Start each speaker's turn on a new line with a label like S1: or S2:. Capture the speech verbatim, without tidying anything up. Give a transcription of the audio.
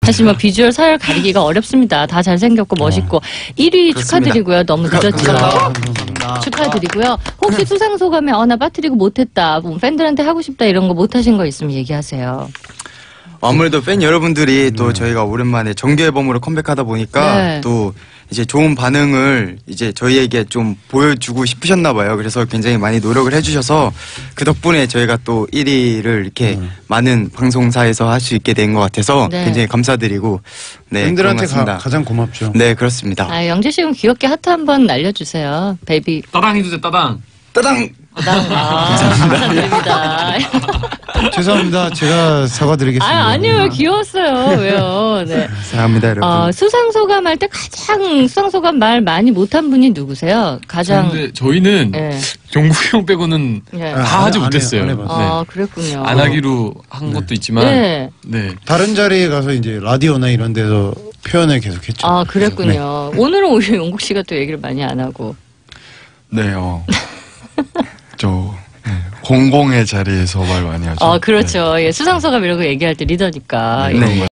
S1: 사실 뭐 비주얼 서열 가리기가 어렵습니다. 다 잘생겼고 멋있고. 일 위 축하드리고요. 너무 늦었지만. 축하드리고요. 혹시 수상 소감에 어, 나 빠뜨리고 못했다. 뭐 팬들한테 하고 싶다 이런 거 못하신 거 있으면 얘기하세요.
S2: 아무래도 팬 여러분들이 또 저희가 오랜만에 정규 앨범으로 컴백하다 보니까
S1: 네.
S2: 또 이제 좋은 반응을 이제 저희에게 좀 보여주고 싶으셨나 봐요. 그래서 굉장히 많이 노력을 해주셔서 그 덕분에 저희가 또 일 위를 이렇게 음. 많은 방송사에서 할 수 있게 된 것 같아서 네. 굉장히 감사드리고 네,
S3: 팬들한테 가, 가장 고맙죠.
S2: 네, 그렇습니다.
S1: 아, 영재 씨 그럼 귀엽게 하트 한번 날려주세요. 베이비.
S4: 따당 해주세요. 따당.
S2: 따당.
S1: 따당. 아, 감사드립니다.
S3: 죄송합니다. 제가 사과드리겠습니다.
S1: 아, 아니요. 귀여웠어요. 왜요? 네.
S2: 사랑합니다, 여러분.
S1: 어, 수상소감 할 때 가장 수상소감 말 많이 못한 분이 누구세요? 가장.
S4: 근데 저희는 네. 종국이 형 빼고는
S1: 네.
S4: 다
S3: 아,
S4: 하지
S3: 안
S4: 못했어요.
S3: 해, 안
S4: 네.
S1: 아, 그랬군요.
S4: 안 하기로 한 네. 것도 있지만.
S1: 네.
S4: 네.
S3: 다른 자리에 가서 이제 라디오나 이런 데서 표현을 계속했죠.
S1: 아, 그랬군요. 네. 오늘은 오히려 용국 씨가 또 얘기를 많이 안 하고.
S5: 네, 어. 저. 네, 공공의 자리에서 말 많이 하죠.
S1: 어, 그렇죠. 네. 예, 수상소감 이런 거 얘기할 때 리더니까.
S5: 네,
S1: 예.